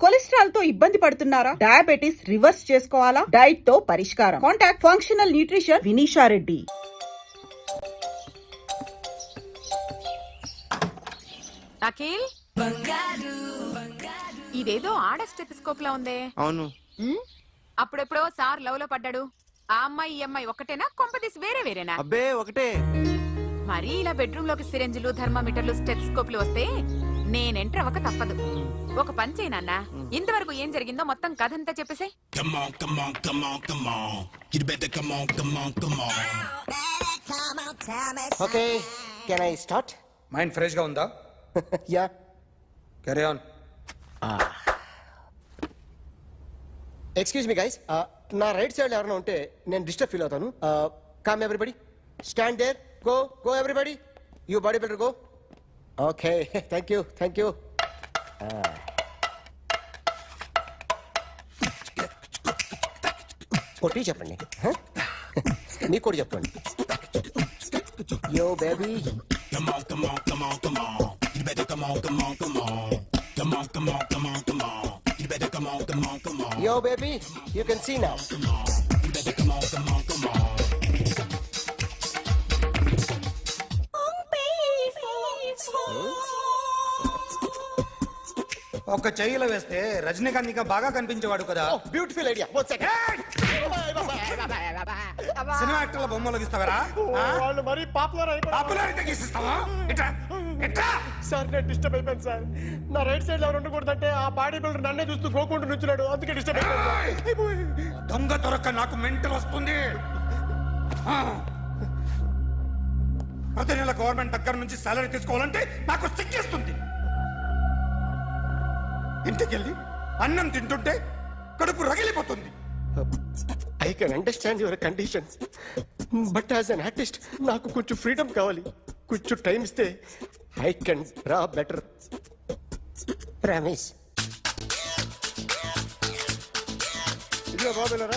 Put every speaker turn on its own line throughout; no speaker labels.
Cholesterol తో ఇబ్బంది పడుతున్నారా? డయాబెటిస్ రివర్స్ చేసుకోవాలా? డైట్ తో పరిష్కారం. Contact functional nutrition Vinisha Reddy.
Akhil, ఇదేదో ఆడ స్టెథోస్కోప్ లా ఉందే.
అవును.
అప్పుడెప్పుడో సార్ లవ్ లో పడ్డాడు. ఆ అమ్మాయి ఈ అమ్మాయి ఒకటేనా? కొంపదీసి వేరే వేరేనా?
అబ్బే ఒకటే.
మరీ ఇలా బెడ్రూమ్ లోకి సిరెంజులు, థర్మామీటర్లు, స్టెథోస్కోప్లు వస్తే నేను ఎంటర్ అవ్వక తప్పదు. ఒక పని చేయి నాన్న, ఇంతవరకు ఏం జరిగిందో మొత్తం కథ అంతా చెప్పేసే.
Okay, can I start?
Mind fresh గా ఉందా?
Yeah,
carry on.
Excuse me guys, నా రైట్ సైడ్ ఎవరైనా ఉంటే నేను డిస్టర్బ్ ఫీల్ అవుతాను. Come everybody, stand there, go go everybody, you body builder go. Okay, thank you thank you. కొట్టి చెప్పండి, మీకు కూడా చెప్పండి. Yo baby, yo baby, you can see now.
ఒక చెయ్యిలో వేస్తే రజనీకాంత్ ఇంకా బాగా కనిపించేవాడు కదా.
Beautiful idea. One second.
Cinema యాక్టర్ల బొమ్మలు గీస్తావరా?
వాళ్ళు మరి
పాపులారిటీ గీసిస్తావా? ఇట్రా ఇట్రా.
సార్ నేను డిస్టర్బ్ అయిపోయాను సార్. నా రైట్ సైడ్ ఎవరు ఉండకూడదంటే ఆ బాడీ బిల్డర్ నన్నే చూస్తూ గోకుంటూ నుంచున్నాడు, అందుకే డిస్టర్బ్ అయిపోయాను.
దొంగ దొరక్క నాకు మెంటల్ వస్తుంది. ప్రతి నెల గవర్నమెంట్ దగ్గర నుంచి సాలరీ తీసుకోవాలంటే నాకు సిగ్గేస్తుంది. ఇంటికెళ్ళి అన్నం తింటుంటే కడుపు రగిలిపోతుంది.
I can understand your conditions, but as an artist నాకు కొంచెం ఫ్రీడమ్ కావాలి. కొంచెం టైం ఇస్తే I can draw better. Promise.
ఇదిగో బాబులరా,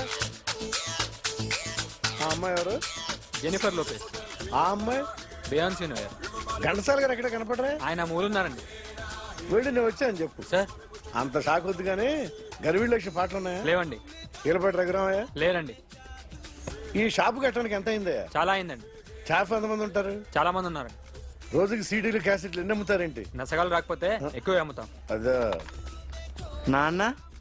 ఆ అమ్మాయి ఎవరు?
Jennifer Lopez.
ఆ అమ్మాయి
బియాన్సీ నోయర్.
ఘంటసాల గారు ఎక్కడ కనపడరా?
ఆయన మూలున్నారండి.
వెళ్ళి నేను వచ్చాను చెప్పు.
సార్
అంత షాక్ వద్దు కానీ గర్వీళ్ళ లక్ష పాటలు ఉన్నాయా?
లేవండి.
ఈలపాటి రఘురామయ్య
లేరండి.
ఈ షాపు కట్టడానికి ఎంత అయిందయ్యా?
చాలా అయిందండి.
షాప్ ఎంతమంది ఉంటారు?
చాలా మంది ఉన్నారండి.
రోజుకి సీడీలు క్యాసెట్లు ఎన్ని అమ్ముతారేంటి?
నసగాలు రాకపోతే ఎక్కువ అమ్ముతాం.
అదా
నాన్న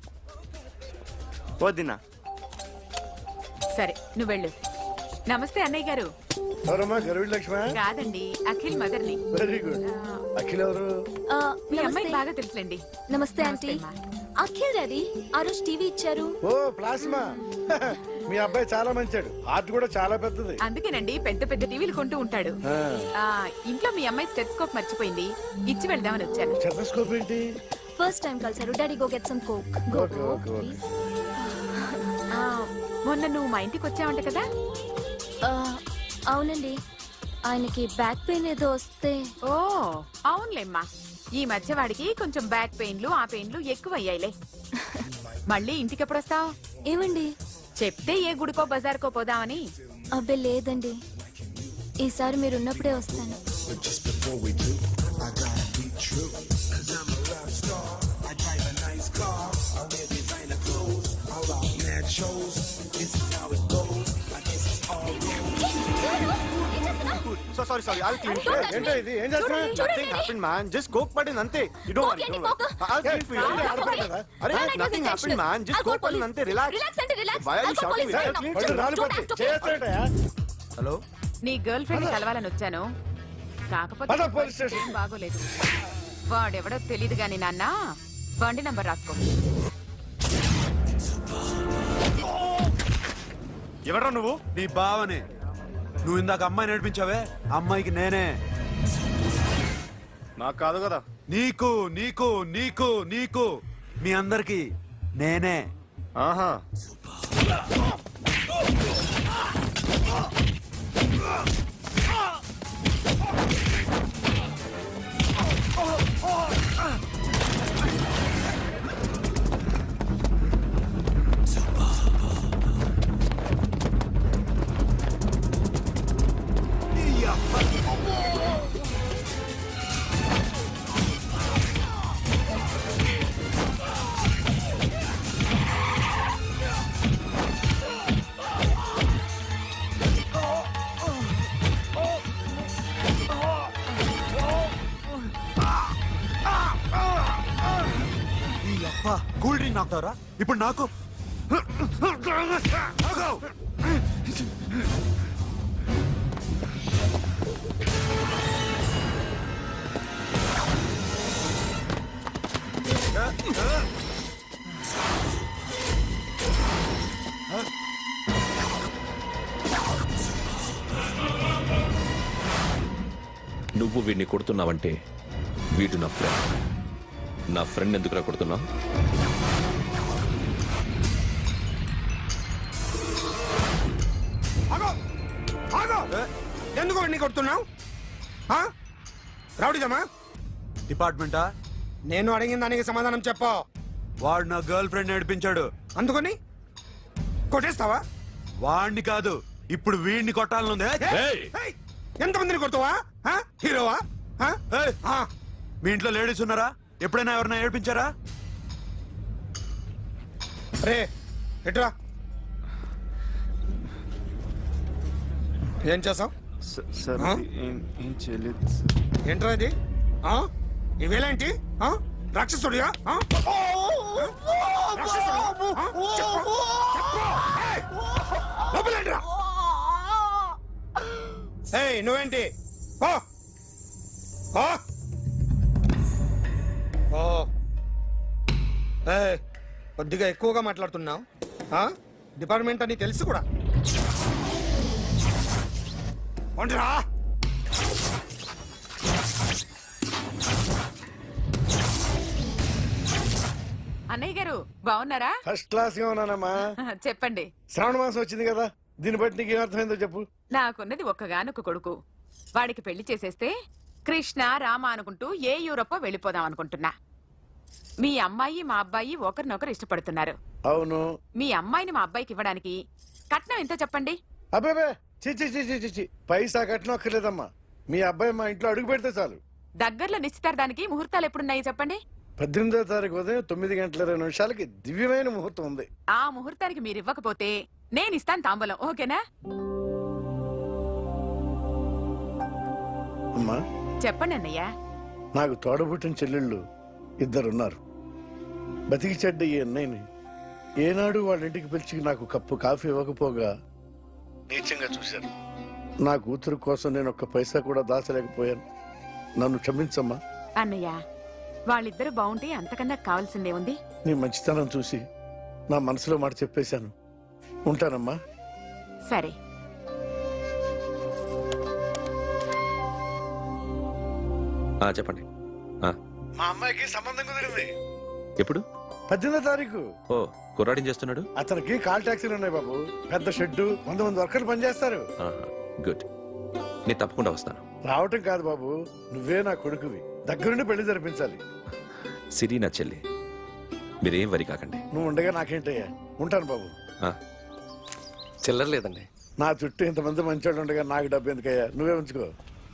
వదినా.
సరే నువ్వు వెళ్ళు. నమస్తే అన్నయ్య గారు.
ఎవరమ్మా? గర్వీళ్ళ లక్ష్మ?
కాదండి, అఖిల్ మదర్ని.
Very good. అఖిల్ ఎవరు?
మీ అమ్మాయి బాగా తెలుసులేండి.
నమస్తే ఆంటీ. అఖిల్ డాడీ ఆ రోజు టీవీ ఇచ్చారు.
ఓ ప్లాస్మా. మీ అబ్బాయి చాలా మంచాడు, ఆర్ట్ కూడా చాలా పెద్దది.
అందుకేనండి పెద్ద పెద్ద టీవీలు కొంటూ ఉంటాడు. ఇంట్లో మీ అమ్మాయి స్టెథోస్కోప్ మర్చిపోయింది, ఇచ్చి వెళ్దామని వచ్చాను.
స్టెథోస్కోప్ ఏంటి?
ఫస్ట్ టైం కలిసారు. Daddy go get some coke. Go
okay,
go
okay, okay.
Please.
మొన్న నువ్వు మా ఇంటికి వచ్చావంట కదా?
అవునండి, ఆయనకి బ్యాక్ పెయిన్ ఏదో వస్తే.
ఓ అవునులేమ్మా, ఈ మధ్య వాడికి కొంచెం బ్యాక్ పెయిన్లు ఆ పెయిన్లు ఎక్కువ అయ్యాయిలే. మళ్ళీ ఇంటికి ఎప్పుడు వస్తావు?
ఏమండి
చెప్తే ఏ గుడికో బజార్కో పోదామని.
అబ్బే లేదండి, ఈసారి మీరున్నప్పుడే వస్తాను.
So sorry, I'll clean it.
ఏంటో ఇది? ఏం చేస్తున్నా?
Nothing happened, man. Just coke పడింది అంతే. You don't worry. I'll clean for you. అరే nothing happened, man. Just coke పడింది అంతే. Relax. Why are you shouting? I'll clean for you.
రాలిపోతే చేస్తాడయా?
Hello?
నీ గర్ల్ ఫ్రెండ్ కలవాలని వచ్చాను, కాకపోతే
పద, పోలీస్ స్టేషన్.
ఏం బాగోలేదు. వాడెవడో తెలీదు గాని నాన్న, బండి నంబర్ రాసుకో.
ఎవడ్రా నువ్వు? నీ బావనే. నువ్వు ఇందాక అమ్మాయి నడిపించావే, అమ్మాయికి నేనే.
నాకు కాదు కదా.
నీకు నీకు నీకు నీకు మీ అందరికి నేనే.
ఆహా,
అబ్బా కూల్ డ్రింక్ నాకుతావరా ఇప్పుడు నాకు ఆగు.
నువ్వు వీడిని కొడుతున్నావంటే వీడు నా ఫ్రెండ్. నా ఫ్రెండ్ ఎందుకురా కొడుతున్నావు?
ఆగో ఆగో ఎందుకు వాడిని కొడుతున్నావు రౌడీదమ్మా
డిపార్ట్మెంటా?
నేను అడిగిన దానికి సమాధానం చెప్పు
వాడు నా గర్ల్ ఫ్రెండ్ నేర్పించాడు.
అందుకని కొట్టేస్తావా
వాడిని కాదు ఇప్పుడు వీడిని కొట్టాలనుంది.
ఏయ్!
ఏయ్, ఎంతమందిని కొడతావా హీరోవా
ఏయ్! మీ ఇంట్లో లేడీస్ ఉన్నారా? ఎప్పుడైనా ఎవరైనా ఏడిపించారా?
రే ఎట్రా ఏం చేసావు
సార్
ఆ?
ఏం చేయలేదు
ఏంట్రా ఇది ఇవేలాంటి రాక్షసుడియా లోపలేంట్రా ఏయ్ నువ్వేంటి ఓ ఓ ఓ ఏయ్ కొద్దిగా ఎక్కువగా మాట్లాడుతున్నావు డిపార్ట్మెంట్ అని తెలుసు కూడా ఒంటరా
అన్నయ్య గారు బాగున్నారా?
ఫస్ట్ క్లాస్ గా ఉన్నానమ్మా.
చెప్పండి.
శ్రావణ మాసం వచ్చింది కదా, దీన్ని బట్టి నీకు ఏమర్థమైందో చెప్పు.
నాకున్నది ఒక్కగానొక్క కొడుకు. వాడికి పెళ్లి చేసేస్తే కృష్ణ రామ అనుకుంటూ ఏ యూరోపో వెళ్ళిపోదాం అనుకుంటున్నా. మీ అమ్మాయి మా అబ్బాయి ఒకరినొకరు ఇష్టపడుతున్నారు.
అవును.
మీ అమ్మాయిని మా అబ్బాయికి ఇవ్వడానికి కట్నం ఎంత చెప్పండి?
అబ్బే చిచి చిచి చిచి పైసా కట్నం అక్కర్లేదమ్మా. మీ అబ్బాయి మా ఇంట్లో అడుగు పెడితే చాలు.
దగ్గరలో నిశ్చితార్థానికి ముహూర్తాలు ఎప్పుడున్నాయి చెప్పండి?
18వ తారీఖు ఉదయం 9:20 దివ్యమైన ముహూర్తం ఉంది.
ఆ ముహూర్తానికి మీరు ఇవ్వకపోతే నేను ఇస్తాను తాంబూలం. ఓకేనా?
అమ్మా
చెప్పండి అన్నయ్య.
నాకు తోడబుట్టిన చెల్లెళ్ళు ఇద్దరున్నారు. బతికి చెడ్డ ఈ అన్నయ్యని ఏనాడు వాళ్ళ ఇంటికి పిలిచి నాకు కప్పు కాఫీ ఇవ్వకపోగా నీచంగా చూశాను. నా కూతురు కోసం నేను ఒక్క పైసా కూడా దాచలేకపోయాను. నన్ను క్షమించమ్మా.
అన్నయ్య వాళ్ళిద్దరు బాగుంటే అంతకన్నా కావాల్సిందే ఉంది.
నీ మంచితనం చూసి నా మనసులో మాట చెప్పేశాను. ఉంటానమ్మా.
సరే.
చెప్పండి.
మా అమ్మాయికి సంబంధం కుదిరింది.
ఎప్పుడు?
18వ తారీఖు.
ఓ కుర్రాడిని చేస్తున్నాడు.
అతనికి కాల్ టాక్సీలు ఉన్నాయి బాబు. పెద్ద షెడ్డు, 100 మంది వర్కర్లు పనిచేస్తారు.
గుడ్. నేను తప్పకుండా వస్తాను.
రావటం కాదు బాబు, నువ్వే నా కొడుకువి. దగ్గరుండి పెళ్లి జరిపించాలి.
సిరి నా చెల్లి, మీరేం వరి కాకండి.
నువ్వు ఉండగా నాకేంటయ్యా. ఉంటాను బాబు.
చిల్లర లేదండి.
నా చుట్టూ ఇంతమంది మంచోళ్ళు ఉండగా నాకు డబ్బు ఎందుకయ్యా, నువ్వే ఉంచుకో.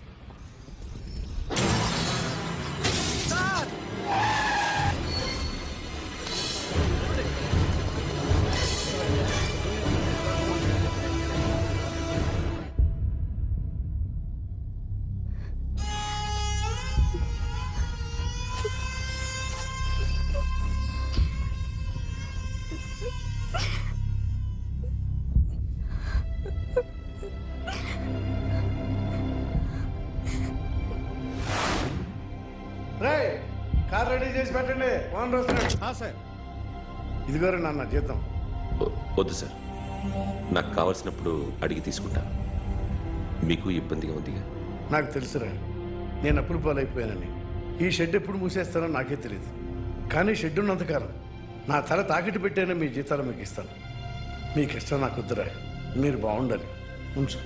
కార్ రెడీ చేసి పెట్టండి. ఓనర్ వస్తున్నాడు. సార్ ఇదిగోరు నాన్న జీతం.
వద్దు సార్, నాకు కావలసినప్పుడు అడిగి తీసుకుంటాను. మీకు ఇబ్బందిగా ఉందిగా?
నాకు తెలుసురా, నేను అప్పులు పాలైపోయానని. ఈ షెడ్ ఎప్పుడు మూసేస్తానో నాకే తెలియదు. కానీ షెడ్ ఉన్నంతకాలం నా తల తాకిట్టు పెట్టైనా మీ జీతాలు మీకు ఇస్తాను. మీకు ఇష్టం నాకు వద్దురా, మీరు బాగుండాలి. ఉంచు.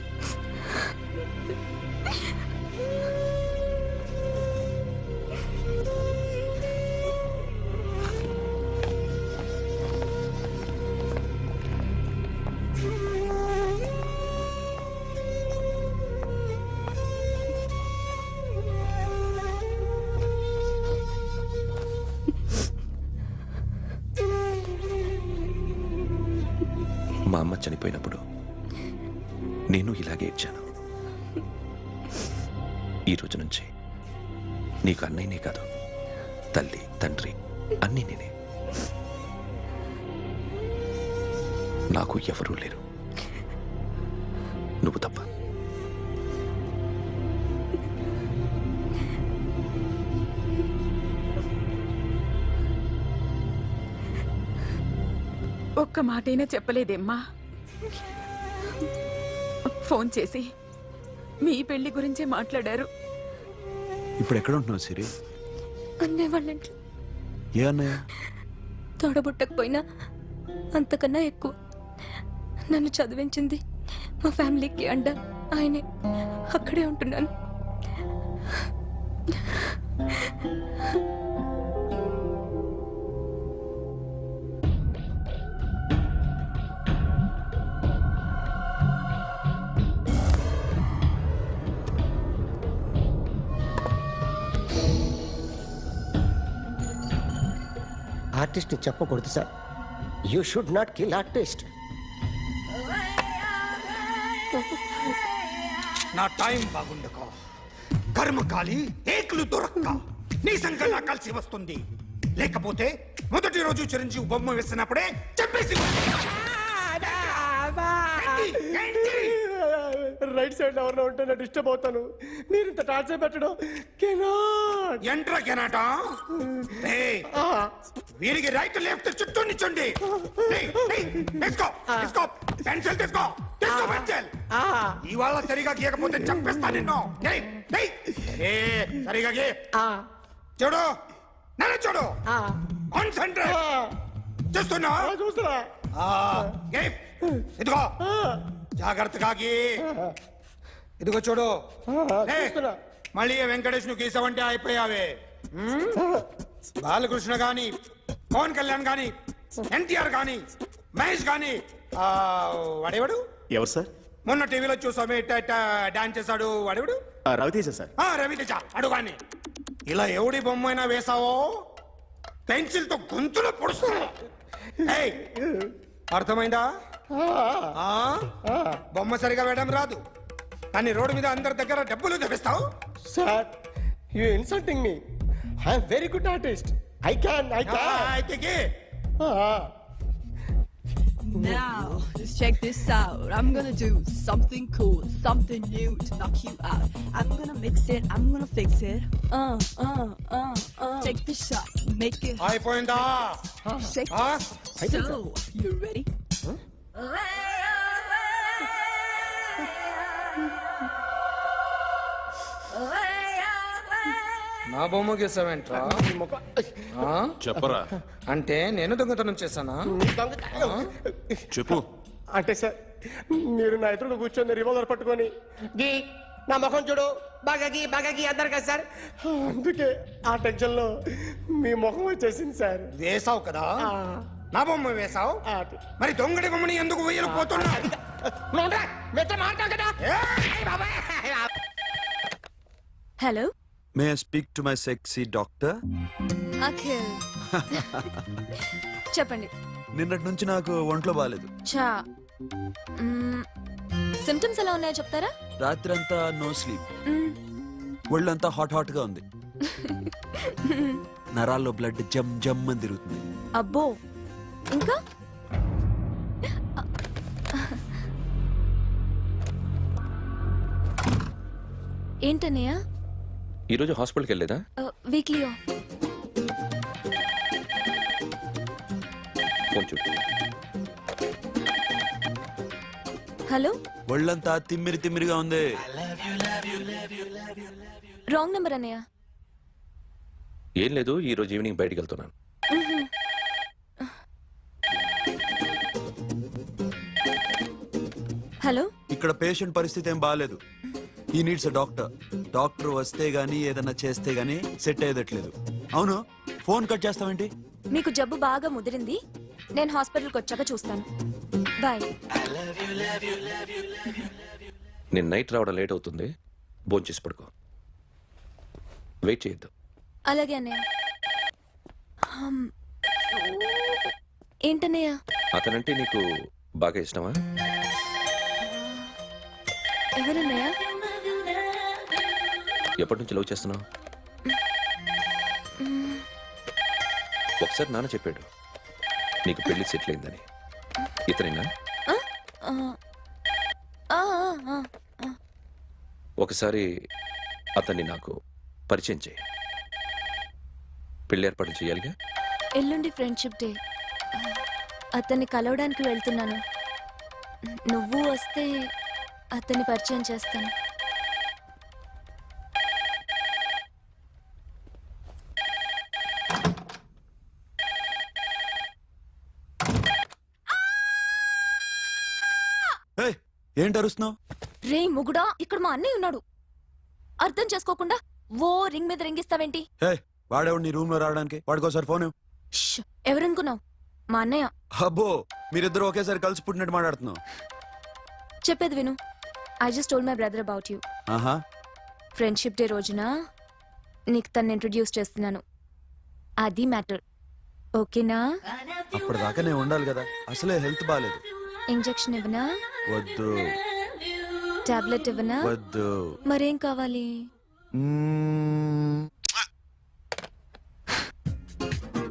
మా అమ్మ చనిపోయినప్పుడు నేను ఇలాగే ఇచ్చాను. ఈ రోజు నుంచి నీకు అన్నయ్యనే కాదు, తల్లి తండ్రి అన్నీ నేనే. నాకు ఎవరూ లేరు, నువ్వు తప్ప.
ఒక్క మాటైనా చెప్పలేదేమ్మా? ఫోన్ చేసి మీ పెళ్లి గురించే మాట్లాడారు.
ఇప్పుడు ఎక్కడ ఉంటున్నావు సిరి?
అన్నయ్య వాళ్ళ ఇంట్లో.
ఏ అన్నయ్య?
తోడబుట్టకపోయినా అంతకన్నా ఎక్కువ నన్ను చదివించింది మా ఫ్యామిలీకి అండ ఆయనే. అక్కడే ఉంటున్నాను.
ఆర్టిస్ట్ని చెప్పకూడదు sir. You should not kill artist.
నా టైం బాగుండకో, కర్మకాలి ఏకులు దొరక్క నీ సంకల్లా కలిసి వస్తుంది. లేకపోతే మొదటి రోజు చిరంజీవి బొమ్మ వేసినప్పుడే చెప్పేసి
రైట్ సైడ్ ఎవరిలో ఉంటే నేను డిస్టర్బ్ అవుతాను. మీరు ఇంత టార్చర్ పెట్టడం
ఎంట్రా కెనాట. వీరికి రైట్ లెఫ్ట్ చుట్టూ నిచ్చండి. తీసుకో తీసుకో పెన్సిల్, తీసుకో తీసుకో పెన్సిల్. ఇవాళ సరిగా గీయకపోతే చంపేస్తా నిన్ను. సరిగా గీ. చూడు నన్ను చూడు. కాన్సంట్రేట్. చూస్తున్నా
చూస్తున్నా.
ఇదిగో జాగ్రత్తగా గీ. ఇదిగో చూడు. మళ్ళీ వెంకటేష్ ను గీసావంటే అయిపోయావే. బాలకృష్ణ గాని, పవన్ కళ్యాణ్ గాని, ఎన్టీఆర్ గాని, మహేష్ గాని, వాడేవాడు
ఎవరు సార్?
మొన్న టీవీలో చూసామే డాన్స్ చేశాడు వాడేవాడు?
రవితేజ సార్.
రవితేజ అడుగాని. ఇలా ఎవడి బొమ్మ అయినా వేసావో పెన్సిల్ తో గొంతులో పొడుస్తావు. అర్థమైందా? బొమ్మ సరిగా వేయడం రాదు, కానీ రోడ్డు మీద అందరి దగ్గర డబ్బులు తెప్పిస్తావు.
Sir, you insulting me. I'm very good artist. I can.
అయితే
Now, just check this out. I'm gonna do something cool, something new to knock you out. I'm gonna mix it, I'm gonna fix it. Take the shot, make it
అయిపోయిందా?
shake. So, you ready?
నా బొమ్మ గీసావేంట్రా?
చెప్పరా.
అంటే నేను దొంగతనం చేశానా?
చెప్పు.
అంటే సార్, మీరు నా ఎదురుగా కూర్చొని రివాల్వర్ పట్టుకొని గీ నా ముఖం చూడు బాగా గీ అన్నారు కదా సార్. అందుకే ఆ టెన్షన్ లో మీ ముఖం వచ్చేసింది సార్.
వేసావు కదా, నా బొమ్మ వేసావు. మరి దొంగడి బొమ్మని ఎందుకు వేయలేకపోతున్నా?
Hello,
may I speak to my sexy doctor?
Akhil. చెప్పండి.
నిన్నటి నుంచి నాకు ఒంట్లో బాగాలేదు.
చా సిమ్టమ్స్ ఎలా ఉన్నాయో చెప్తారా?
రాత్రంతా నో స్లీప్, ఒళ్ళంతా హాట్ హాట్ గా ఉంది, నరాల్లో బ్లడ్ జమ్ జమ్ అని తిరుగుతుంది.
అబ్బో, ఇంకా ఏంటన్నయ్య?
ఈరోజు హాస్పిటల్కి వెళ్ళేదా?
Weekly off.
ఫోన్ చూడు.
హలో,
ఒళ్ళంతా తిమ్మిరి తిమ్మిరిగా ఉంది.
రాంగ్ నెంబర్ అన్నయ్య.
ఏం లేదు, ఈ రోజు ఈవినింగ్ బయటికి వెళ్తున్నాను.
హలో,
ఇక్కడ పేషెంట్ పరిస్థితి ఏం బాగాలేదు. ఈ నీడ్స్ డాక్టర్. డాక్టర్ వస్తే గానీ ఏదన్నా చేస్తే గానీ సెట్ అయ్యేదట్లేదు. అవును, ఫోన్ కట్ చేస్తావేంటి?
మీకు జబ్బు బాగా ముదిరింది, నేను హాస్పిటల్కి వచ్చాక చూస్తాను. బాయ్.
నేను నైట్ రావడం లేట్ అవుతుంది, భోంచేసి పడుకో. వెయిట్ చేయొద్దు.
అలాగే అన్నయ్య. ఏంటన్నయ్య?
అతనంటే నీకు బాగా ఇష్టమా?
ఎవరన్నయ్య?
ఎప్పటి నుంచి లవ్ చేస్తున్నావు? ఒకసారి నాన్న చెప్పాడు నీకు పెళ్లి సెటిల్ అయిందని. ఇతనేనా?
ఆ, ఆ, ఆ.
ఒకసారి అతన్ని నాకు పరిచయం చేయి. పెళ్లి ఏర్పాటు చేయాలిగా.
ఎల్లుండి ఫ్రెండ్షిప్ డే. అతన్ని కలవడానికి వెళ్తున్నాను. నువ్వు వస్తే అతన్ని పరిచయం చేస్తాను.
ఏయ్, ఏంటి అరుస్తున్నావు?
రే ముగుడా, ఇక్కడ మా అన్నయ్య ఉన్నాడు. అర్థం చేసుకోకుండా ఓ రింగ్ మీద రింగిస్తావేంటి?
హే, వాడేవాడు నీ రూమ్ లో రావడానికి? వాడికోసారి ఫోన్ ఇవ్వు.
ష్, ఎవరనుకున్నావు? మా అన్నయ్య.
అబ్బో, మీరిద్దరు ఒకేసారి కలిసి పుట్టినట్టు మాట్లాడుతున్నావు.
చెప్పేది విను. I just told my brother about you.
ఆహా,
ఫ్రెండ్షిప్ డే రోజున నీకు తను ఇంట్రొడ్యూస్ చేస్తున్నాను. అది మ్యాటర్. ఓకేనా?
అప్పటిదాకా నేను ఉండాలి కదా, అసలే హెల్త్ బాగాలేదు.
ఇంజెక్షన్ ఇవ్వనా?
వద్దు
టాబ్లెట్ ఇవ్వనా?
వద్దు.
మరేం కావాలి?
మ్మ్,